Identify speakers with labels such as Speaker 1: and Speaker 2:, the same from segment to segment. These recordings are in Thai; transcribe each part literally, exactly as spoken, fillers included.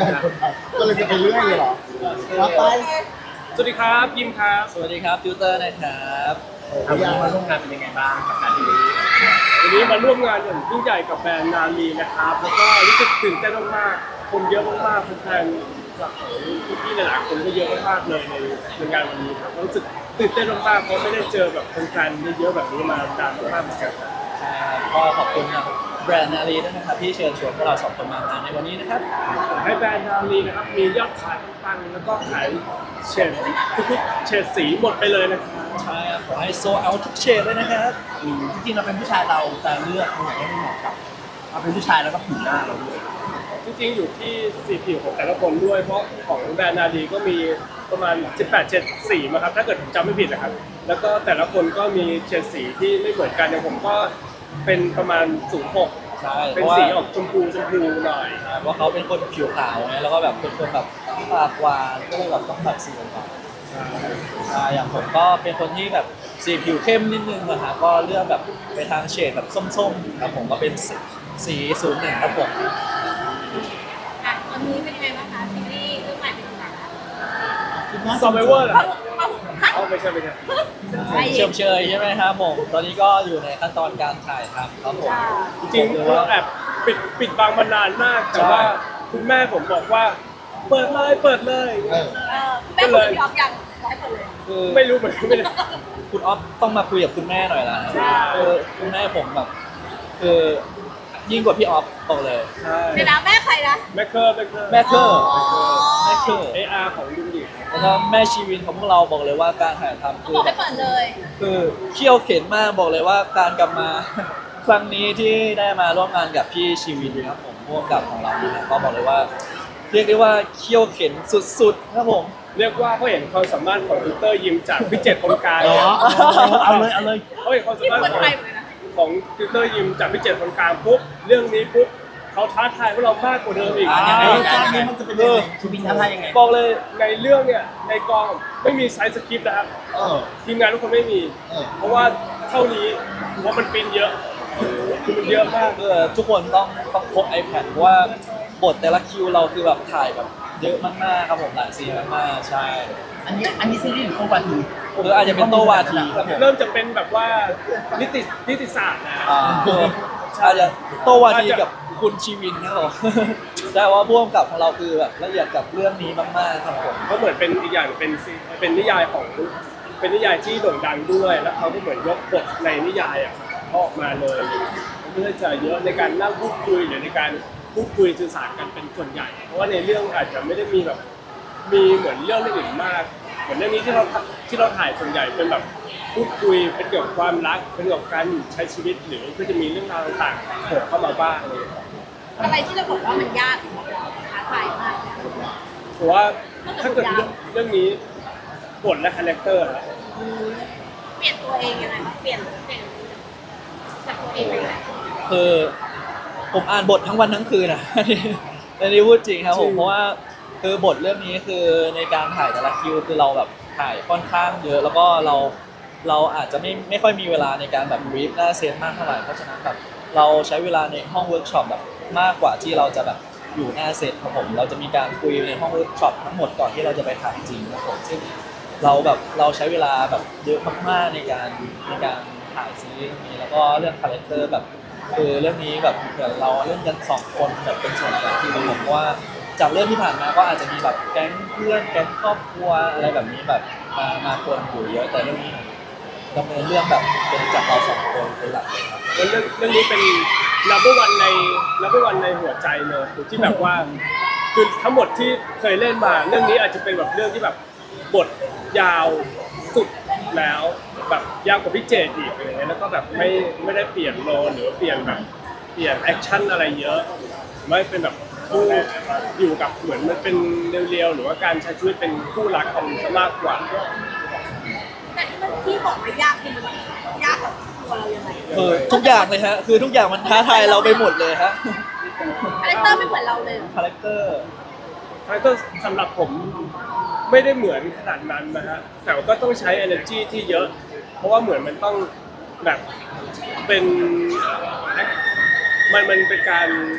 Speaker 1: ก็เลยจะไปเรื่อยเลยเหรอว่าไป
Speaker 2: สวัสดีครับยิมครับ
Speaker 3: สวัสดีครับติวเตอร์นะครับ
Speaker 1: ทำงาน
Speaker 2: มาร่วมงานเป็นยังไงบ้างกับงานที่นี้วันนี้มาร่วมงานอย่างยิ่งใหญ่กับแบรนด์นาลีนะครับแล้วก็รู้สึกตื่นเต้นมากๆคนเยอะมากๆแฟนๆจากพี่ๆหลายๆคนก็เยอะมากๆเลยในในงานวันนี้ครับรู้สึกตื่นเต้นมากๆเพราะไม่ได้เจอแบบแฟนๆเยอะๆแบบนี้มานานมากๆเหมือนกันครับ
Speaker 3: ใช่ครับก็ขอบคุณนะแบรนด์นารีด้วยนะครับที่เชิญชวนพวกเราสองคนมางานในวันนี้นะครับ
Speaker 2: ให้แบรนด์นาลีนะครับมียอดขายปังๆแล้วก็ขายเฉดทุกๆเฉดสีหมดไปเลยนะครับ
Speaker 3: ใช่ครับขอให้โซเอาทุกเฉดเลยนะครับ
Speaker 4: จริงๆเราเป็นผู้ชายเราแต่เลือกคนไหนให้เหมาะกับเราเป็นผู้ชายแล้วก็ผิวหน้าเราด้วย
Speaker 2: จริงๆอยู่ที่สีผิวของแต่ละคนด้วยเพราะของแบรนด์นาดีก็มีประมาณสิบแปดเฉดสีมาครับถ้าเกิดผมจำไม่ผิดนะครับแล้วก็แต่ละคนก็มีเฉดสีที่ไม่เหมือนกันอย่างผมก็เป็นประมาณศูนย์หก
Speaker 3: ใช่เพ
Speaker 2: เป็น
Speaker 3: ราะว่า
Speaker 2: สีออกชมพูชมพูหน่อย
Speaker 3: เพราะเขาเป็นคนผิวขาวไงแล้วก็แบบเป็นคนแบบปากหวานก็เลยแบบต้องแบบสีหวานใช่อย่างผมก็เป็นคนที่แบบสีผิวเข้มนิดนึงนะครับก็เลือกแบบไปทางเฉดแบบส้มๆครับผมก็เป็นสีศูนย์หนึ่งครับผม
Speaker 5: อ่ะตอนนี้เป็นยังไงบ้างคะซีรีส์เรื่องใหม่เป็นยังไงคะ
Speaker 2: ซอมไบเวอร์เหรอ
Speaker 5: เอา
Speaker 2: ครับ
Speaker 5: เอาฮะ
Speaker 2: อ๋อไม่ใช่ไม่ใช่
Speaker 5: ไม่
Speaker 3: เชื่อมเชยใช่ไหมครับผมตอนนี้ก็อยู่ในขั้นตอนการถ่ายทำครับผม
Speaker 2: จริงๆเราแอบปิดปิดบังมานานมากแต่ว่าคุณแม่ผมบอกว่าเปิดเลยเปิดเลย
Speaker 1: เออ
Speaker 5: เออคุณแม่คุณยอมยังร้อยเปอร์เลย
Speaker 3: คือ
Speaker 2: ไม่รู้เหมือนกันไม่ได้
Speaker 3: คุณออฟต้องมาคุยกับคุณแม่หน่อยละ
Speaker 2: ใช่
Speaker 3: คือคุณแม่ผมแบบคือยิ่งกว่าพี่ออฟบอกเลย
Speaker 2: ใช่
Speaker 5: เดี๋ยวนะแม่ใครนะ
Speaker 2: แมคเคอร์แมคเคอร์
Speaker 3: แม่เคอร์
Speaker 5: อ๋อ
Speaker 3: แม่เคอร์
Speaker 2: เออาร์ของดุงดิ
Speaker 3: แล้วก็แม่ชีวินของพวกเราบอกเลยว่าการถ่ายทำ
Speaker 5: เขา
Speaker 3: คื
Speaker 5: บ
Speaker 3: อ
Speaker 5: อกให้เปิดเลย
Speaker 3: คือเขี่ยวเข็นมากบอกเลยว่าการกลับมา ครั้งนี้ที่ได้มาร่วมงานกับพี่ชีวินครับผมร่วมกับของเรานะครับก็บอกเลยว่า เรียกได้ว่าเขี่ยวเข็นสุดๆครับผม
Speaker 2: เรียกว่าเขาเห็นความสามารถของติวเตอร์ยิมจากพิเจตคนกลาง
Speaker 4: เหรอเอาเลยเอาเลย
Speaker 2: เขาเห็นความสา
Speaker 5: ที่
Speaker 2: มารถ
Speaker 5: คน
Speaker 2: ของ
Speaker 5: ไทยเหมือนกันนะ
Speaker 2: ของติวเตอร์ยิมจากพิเจตคนกลางปุ๊บเรื่องนี้ปุ๊บเขาท้าทายพวกเรามากกว่าเดิมอีก
Speaker 4: อ่า
Speaker 2: ใน
Speaker 4: ไอ้ตอนนี้มันจะเป็นยังไงชีวิตท้าทายยังไง
Speaker 3: บอกเลย
Speaker 2: ในเรื่องเนี่ยในกองไม่มีไซส์สคริปต์นะครับ
Speaker 1: เออ
Speaker 2: ทีมงานทุกคนไม่มี
Speaker 1: เออ
Speaker 2: เพราะว่าเท่านี้เพราะมันปริ้นเยอะคือมันเยอะมาก
Speaker 3: คือทุกคนต้องต้องพก iPad เพราะว่าบทแต่ละคิวเราคือแบบถ่ายแบบเยอะมากๆครับผมหลายซีนมากๆใช่
Speaker 4: อันนี้อันนี้ซีรีส์หรือโควาที
Speaker 3: หรืออาจจะเป็นโตวาทีครับผม
Speaker 2: เริ่มจะเป็นแบบว่านิตินิติศาสตร์นะ
Speaker 3: อ่าอาจจะโตวาทีกับคุณชีวินครับผม แต่ว่าพ่วงกับของเราคือแบบละเอียดกับเรื่องนี้มากๆครับผม
Speaker 2: ก็เหมือนเป็นอีกอย่างเป็นซีเป็นนิยายของเป็นนิยายที่โด่งดังด้วย แล้วเขาก็เหมือนยกบทในนิยายอ่ะออกมาเลยเพื่อจะเยอะในการนั่งพูดคุยหรือในการพูดคุยสื่อสารกันเป็นส่วนใหญ่ เพราะว่าในเรื่องอาจจะไม่ได้มีแบบมีเหมือนเรื่องอื่นมาก เหมือนเรื่องนี้ที่เราที่เราถ่ายส่วนใหญ่เป็นแบบพูดคุยเป็นเกี่ยวกับความรักเป็นเกี่ยวกับการใช้ชีวิตหรือก็จะมีเรื่องราวต่างๆโผล่เข้ามาบ้างเลย
Speaker 5: อะไรที่เราบอกว่ามันยากสำหรับเราท้าทายมากเนี่ย
Speaker 2: เพราะว่าถ้าเกิดเรื่องเรื่องนี้บทและคาแรคเตอร์อะ
Speaker 5: เปลี่ยนตัวเองยังไงคะเปลี่ยนเปลี่ยนจากตัวเองไปยังไง
Speaker 3: คือผมอ่านบททั้งวันทั้งคืนนะ อันนี้อันนี้พูดจริงครับผมเพราะว่าคือบทเรื่องนี้คือในการถ่ายแต่ละคิวคือเราแบบถ่ายค่อนข้างเยอะ แล้วก็เราเราอาจจะไม่ไม่ค่อยมีเวลาในการแบบบรีฟหน้าเซตมากเท่าไหร่เพราะฉะนั้นแบบเราใช้เวลาในห้องเวิร์กช็อปแบบมากกว่าที่เราจะแบบอยู่หน้าเซตครับผมเราจะมีการคุยในห้องเวิร์กช็อปทั้งหมดก่อนที่เราจะไปถ่ายจริงครับผมซึ่งเราแบบเราใช้เวลาแบบเยอะมากๆในการในการถ่ายซีรีส์นี้แล้วก็เรื่องคาแรคเตอร์แบบคือเรื่องนี้แบบเหมือนเราเล่นกันสองคนแบบเป็นส่วนใหญ่ที่ผมเพราะว่าจากเรื่องที่ผ่านมาก็อาจจะมีแบบแก๊งเพื่อนแก๊งครอบครัวอะไรแบบนี้แบบมามาคนอยู่เยอะแต่เรื่องนี้ดำเนินเรื่องแบบเป็นจากเราสองคนเป็นหลักเลยครับ
Speaker 2: แล้วเรื่องเรื่องนี้เป็น number one ใน number one ในหัวใจเลยที่แบบว่าคือทั้งหมดที่เคยเล่นมาเรื่องนี้อาจจะเป็นแบบเรื่องที่แบบบทยาวสุดแล้วแบบยาวกว่าพี่เจดอีกอะไรเงี้ยแล้วก็แบบไม่ไม่ได้เปลี่ยนโลหรือเปลี่ยนแบบเปลี่ยนแอคชั่นอะไรเยอะไม่เป็นแบบคู่อยู่กับเหมือนมันเป็นเรียวๆหรือว่าการใช้ชีวิตเป็นคู่รักกันซะมากกว่า
Speaker 5: แต่ที่มันที่บอกว่ายากคือมันยากกับตัวเรายังไง
Speaker 3: คือทุกอย่างเลยฮะคือทุกอย่างมันท้าทายเราไปหมดเลยฮะ
Speaker 5: คาแรคเตอร์ไม่เหมือนเราเลย
Speaker 3: คาแรคเตอร์
Speaker 2: แล้วก็สำหรับผมไม่ได้เหมือนขนาดนั้นนะฮะแต่ก็ต้องใช้ energy ที่เยอะ เพราะว่าเหมือนมันต้องแบบเป็นมันมันเป็นการ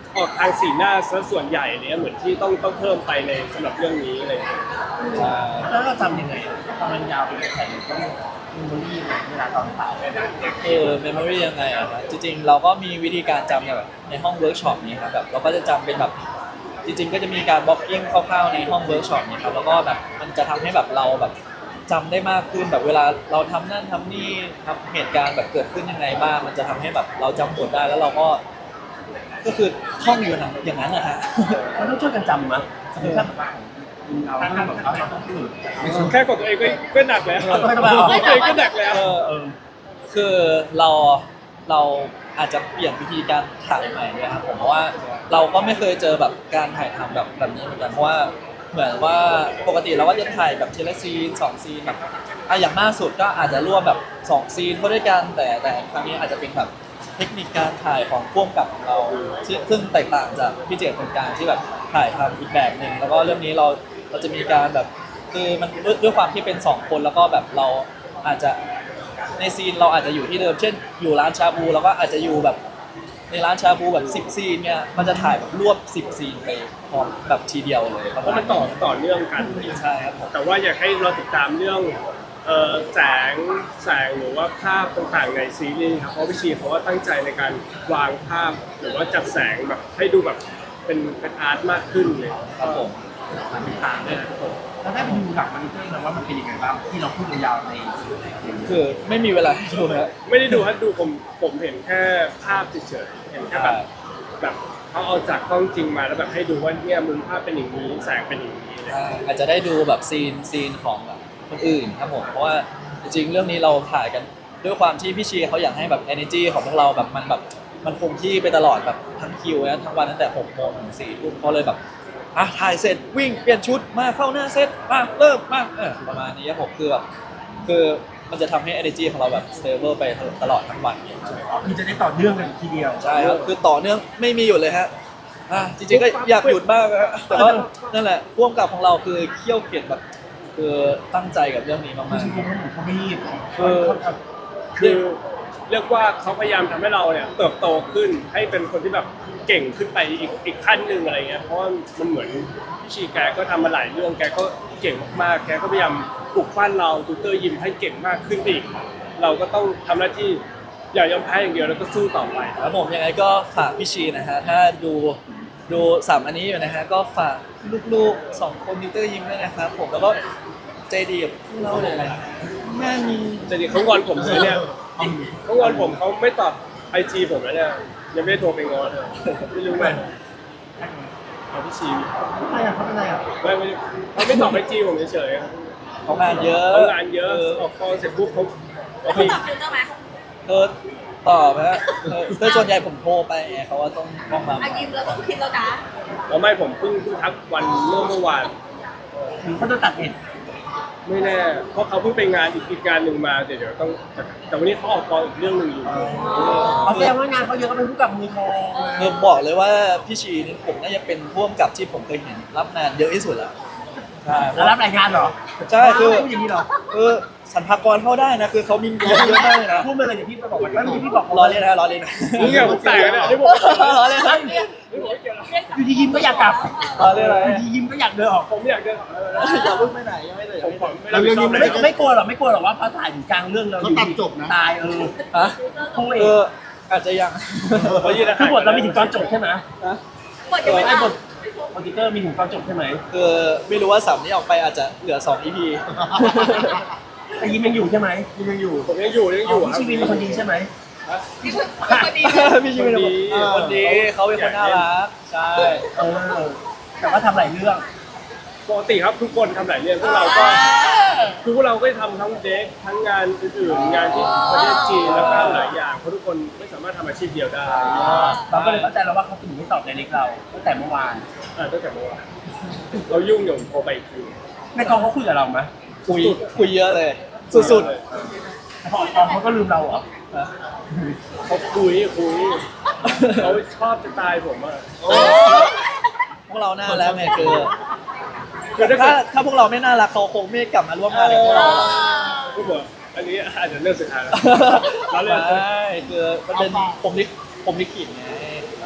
Speaker 2: ออกทางสีหน้าซะส่วนใหญ่เนี่ยเหมือนที่ต้องต้องเพิ่มไปในสำหรับเรื่องนี้อะไรอย่างเงี้ย
Speaker 3: ใช่
Speaker 4: แล้วเราจำยังไงอะตอนมันยาวไปแข่งต้องมีโมลี่เวลาตอนถ่าย
Speaker 3: เออเมมโมรี่ยังไงอะครับจริงๆเราก็มีวิธีการจำแบบในห้องเวิร์กช็อปนี้ครับแบบเราก็จะจำเป็นแบบจริงๆก็จะมีการบล็อกกิ้งคร่าวๆในห้องเวิร์กช็อปนี้ครับแล้วก็แบบมันจะทำให้แบบเราแบบจำได้มากขึ้นแบบเวลาเราทำนั่นทำนี่ทำเหตุการณ์แบบเกิดขึ้นยังไงบ้างมันจะทำให้แบบเราจำบทได้แล้วเราก็ก็คือท่องอยู่นะอย่างนั้นนะฮะ
Speaker 4: มันต้องช่วยกันจำมั้ยสมมติถ้าแบบว่าเราต้องแบบเราต้องพูด
Speaker 2: แค่กดตัวเองก็ก็หนักแล้ว
Speaker 4: เอาไปทำไม
Speaker 2: ก
Speaker 4: เอา
Speaker 2: ดตัวเองก็หนักแล้ว
Speaker 3: เออ
Speaker 4: เออ
Speaker 3: คือเราเราอาจจะเปลี่ยนวิธีการถ่ายใหม่ด้วยครับผมเพราะว่าเราก็ไม่เคยเจอแบบการถ่ายทำแบบแบบนี้เหมือนกันเพราะว่าเหมือนว่าปกติเราก็จะถ่ายแบบทีละซีนสองซีนแบบอ่ะอย่างมากสุดก็อาจจะรวมแบบสองซีนเข้าด้วยกันแต่แต่ครั้งนี้อาจจะเป็นแบบเทคนิคการถ่ายของพ่วงกับของเราซึ่งซึ่งแตกต่างจากพี่เจตเป็นการที่แบบถ่ายทำอีกแบบหนึ่งแล้วก็เรื่องนี้เราเราจะมีการแบบคือมันด้วยด้วยความที่เป็นสองคนแล้วก็แบบเราอาจจะ ในซีนเราอาจจะอยู่ที่เดิมเช่นอยู่ร้านชาบูเราก็อาจจะอยู่แบบในร้านชาบูแบบสิบซีนเนี่ยมันจะถ่ายแบบรวบสิบซีนไปพร้อมแบบทีเดียวเลย
Speaker 2: เพราะมันต่อต่อเนื่องกัน
Speaker 3: ใช่ครับผม
Speaker 2: แต่ว่าอยากให้เราติดตามเรื่องเอ่อแสงแสงหรือว่าภาพต่างๆในซีรีส์ครับเพราะพี่ชีเขาว่าตั้งใจในการวางภาพหรือว่าจัดแสงแบบให้ดูแบบเป็นเป็นอาร์ตมากขึ้นเลย
Speaker 3: ครับผม
Speaker 4: มันติดตามด้วยนะครับผมแล้วได้ไปดูหลังมันเรื่องนะว่ามันเป็นยังไงบ้างที่เราพูดยาวๆใน
Speaker 3: คือไม่มีเวลาให้ดูนะ
Speaker 2: ไม่ได้ดูฮะดูผมผมเห็นแค่ภาพเฉยๆเห็นแค่แบบแบบเขาเอาจากกล้องจริงมาแล้วแบบให้ดูว่าเนี่ยมุมภาพเป็นอย่างนี้แสงเป็นอย่างนี้เลย
Speaker 3: อ่าอาจจะได้ดูแบบซีนซีนของแบบคนอื่นครับผมเพราะว่าจริงๆเรื่องนี้เราถ่ายกันด้วยความที่พี่ชีเขาอยากให้แบบ energy ของพวกเราแบบมันแบบมันคงที่ไปตลอดแบบทั้งคิวนะทั้งวันตั้งแต่หกโมงถึงสี่ทุ่มเขาเลยแบบอ่ะถ่ายเสร็จวิ่งเปลี่ยนชุดมาเข้าหน้าเซตมาเริ่มมาเออประมาณนี้ครับผมคือแบบคือมันจะทำให้ energy ของเราแบบ stable ไปตลอดทั้งวันใช่ไหมครับ
Speaker 4: คือจะได้ต่อเนื่องกันทีเดียว
Speaker 3: ใช่ครับคือต่อเนื่องไม่มีหยุดเลยฮะอ่ะจริงๆก็อยากหยุดมากนะฮะแต่ว่านั่นแหละพ่วงกับของเราคือเขี้ยวเกียจแบบคือตั้งใจกับเรื่องนี้มาก
Speaker 4: ไม่ใช่พวกนั้นเขาไม่รีบ
Speaker 3: เออ
Speaker 2: คือเรียกว่าเขาพยายามทำให้เราเนี่ยเติบโตขึ้นให้เป็นคนที่แบบเก่งขึ้นไปอีกอีกขั้นหนึ่งอะไรเงี้ยเพราะว่ามันเหมือนพี่ชีแกก็ทำมาหลายเรื่องแกก็เก่งมากๆแกก็พยายามปลุกปั้นเราตูเตอร์ยิมให้เก่งมากขึ้นไปอีกเราก็ต้องทำหน้าที่อย่ายอมแพ้อย่างเดียวแล้วก็สู้ต่อไป
Speaker 3: ๆแล้วผมยังไงก็ฝากพี่ชีนะฮะถ้าดูดูสามอันนี้อยู่นะฮะก็ฝากลูกๆสองคนนิวเตอร์ยิมด้วยนะครับผมแล้วก็ใจดีกับพวกเราเลยแม่มี
Speaker 2: แต่ดิเขางอนผมเลยเนี่ยเขางอนผมเขาไม่ตอบไอจีผมแล้วเนี่ยยังไม่ได้โทรไปงอนเลยไม่รู้ไหมเอาพี่ชี
Speaker 4: อะไรอ่ะเขาเป็นอะไรอ่ะ
Speaker 2: ไม่ไม่เขาไม่ตอบไอจีผมเฉย
Speaker 3: เขางานเยอะ
Speaker 2: ๆเขางานเยอะออกกองเสร็จปุ๊บเขาเขา
Speaker 5: เขา
Speaker 2: มี
Speaker 5: ตอบฟิลเตอร์ไหม
Speaker 3: เธอตอบนะฮะเออแต่ส่วนใหญ่ผมโทรไปไงเขาว่าต้องต้องมา
Speaker 5: อายิมเราต้องคิดแล้วนะ
Speaker 2: แล้วไม่ผมเพิ่งเพิ่งทักวันเมื่อเมื่อวาน
Speaker 4: หรือเขาจะตัดเอ็ด
Speaker 2: ไม่แน่เพราะเขาเพิ่งไปงานอีกอีกงานหนึ่งมาเดี๋ยวเดี๋ยวต้องแต่วันนี้เขาออกกองอีกเรื่องหนึ่งอยู่
Speaker 4: เขาแสดงว่างานเขาเยอะก็เป็นผู้กับมือทอง
Speaker 3: คือบอกเลยว่าพี่ชีนี่ผมน่าจะเป็นพ่วงกับที่ผมเคยเห็นรับงานเยอะที่สุดแล้วใช่
Speaker 4: แล้วรับรายงานเหรอ
Speaker 3: ใช่คือ
Speaker 4: พูดอย่างนี้เหรอ
Speaker 3: คือสรรพากรเข้าได้นะคือเขามีเยอะเยอะมากเลยนะ
Speaker 4: พูดมาเลยเดี๋ยวพี่ไปบอกว่าไม่พี่บอก
Speaker 3: ล้อเล่นนะล้อเล่นนะ
Speaker 2: นี่ไงผมแตกแล้วเนี่ยนี่ผม
Speaker 3: ล้อเล่นนะ
Speaker 4: อยู่ดียิ้มก็อยากกลับ
Speaker 3: ล้อเล่นอะไร
Speaker 4: อยู่ดียิ้มก็อยากเดินออก
Speaker 2: ผมอยากเดินออกแล้วนะ
Speaker 3: อย่าเพิ่งไปไหนยังไม่เลย
Speaker 2: ผมขอไม่
Speaker 1: แล้
Speaker 2: รับ
Speaker 1: ว
Speaker 2: ผิ
Speaker 1: เรื่
Speaker 2: ด
Speaker 1: อง
Speaker 2: ช
Speaker 1: นี้
Speaker 2: อบ
Speaker 1: ไม่
Speaker 2: เลย
Speaker 4: ไม่ไม่กลัวหรอกไม่กลัวหรอกว่าพอถ่ายถึงกลางเรื่องเราอยู่
Speaker 1: เขาตัดจบนะ
Speaker 4: ตายเออ
Speaker 3: ฮะ
Speaker 4: คู่เอ
Speaker 3: เออง อาจจะยัง
Speaker 2: เขายืน
Speaker 4: คือบทเราไม่ถึงตอนจบใช่ไหม
Speaker 3: นะ
Speaker 5: บทยังไม่
Speaker 4: ไอ้
Speaker 5: ท
Speaker 4: บทคอมพิวเตอร์มีถึงตอนจบใช่ไหม
Speaker 3: คือไม่รู้ว่าสามนี้ออกไปอาจจะเหลือสอง อี พี
Speaker 4: แต่ยิ้มยังอยู่ใช่ไหม
Speaker 1: ยังอยู่
Speaker 2: ผมยังอยู่ยังอยู่
Speaker 4: พี่ชีวินเป็นคนดีใช่ไหม
Speaker 5: ำนี่คือคนดี
Speaker 3: พี่ชีเป็นคนดีคนดีเขาเป็นคนน่ารักใช่
Speaker 4: เออแต่ว่าทำหลายเรื่อง
Speaker 2: ปกติครับทุกคนทำหลายเรื่องพวกเราก็คือพวกเราก็ทำทั้งเด็กทั้งงานอื่นๆงานที่ประเทศจีนแล้วก็หลายอย่างเพราะทุกคนไม่สามารถทำอาชีพเดียวได้
Speaker 4: เราก็เลยเข้าใจแล้วว่าเขาถึงไม่ตอบในเล็กเราตั้งแต่เมื่อวาน
Speaker 2: อ่าตั้งแต่เมื่อวานเรายุ่งอยู่โทรไปอีกที
Speaker 4: ในกองเขาคุยกับเราไหม
Speaker 3: คุยคุยเยอะเลย สุด
Speaker 4: แต่พอออกกองเขาก็ลืมเราเหรอ
Speaker 3: ๆนะ
Speaker 2: เขาคุยคุยเขาชอบจะตายผมอ่ะ
Speaker 3: พวกเราน่ารักไงคือ
Speaker 2: คือถ้า
Speaker 3: ถ้า
Speaker 2: เกิด
Speaker 3: ถ้าพวกเราไม่น่ารักเขาคงไม่กลับมาร่วมงานกับพวกเรา
Speaker 2: ผู้บอกอันนี้อาจจะเรื่องสุดท้ายแล้วเราเล่น
Speaker 3: ใช่คือมันเป็นผมลิขผมลิขิตไง
Speaker 2: เอ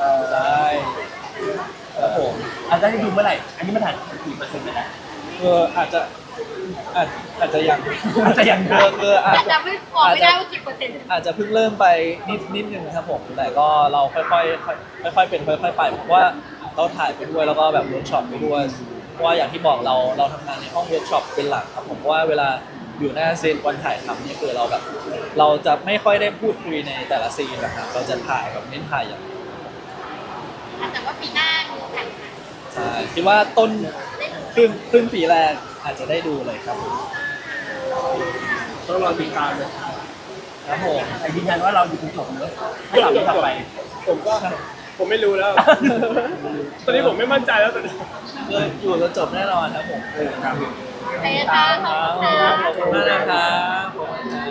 Speaker 3: ใช่ครับผม
Speaker 4: อาจจะได้ดูเมื่อไหร่ อันนี้มันถ่ายกี่เปอร์เซ็นต์ไปแล้ว
Speaker 3: คืออาจจะอาจอาจจะยัง
Speaker 4: อาจจะยัง
Speaker 3: คือคืออาจ
Speaker 5: แต่
Speaker 3: จะ
Speaker 5: จำไม่บอกไม่ได้ว่ากี่เปอร์เซ็นต์
Speaker 3: อาจจะเพิ่งเริ่มไปนิดนิดนึงครับผมแต่ก็เราค่อยๆค่อยๆเป็นค่อยๆไปเพราะว่าเราถ่ายไปด้วยแล้วก็แบบเวิร์กช็อปไปด้วยเพราะว่าอย่างที่บอกเราเราทำงานในห้องเวิร์กช็อปเป็นหลักครับผมเพราะว่าเวลาอยู่หน้าเซตวันถ่ายทำเนี่ยคือเราแบบเราจะไม่ค่อยได้พูดคุยในแต่ละซีนนะครับเราจะถ่ายแบบเน้นถ่ายอย่างเดียว
Speaker 5: แต่ว่าปีหน้ามีแข่งขัน
Speaker 3: ใช่คิดว่าต้นครึ่งครึ่งปีแรกอาจจะได้ดูเลยครับผม
Speaker 2: ต้องรอติดตามเลย
Speaker 3: ครับผม
Speaker 4: แต่ยืนยันว่าเราอยู่ตรงจบเนอะให้เราต่อไป
Speaker 2: ผมก็ผมไม่รู้แล้ว ตอนนี้ผมไม่มั่นใจแล้วตอนนี้
Speaker 3: คืออยู่จนจบแน่นอนครับผม
Speaker 2: ครับ
Speaker 5: โอเคค่ะขอบคุณค่ะ
Speaker 3: ขอบคุณมากนะครับขอบคุณครับ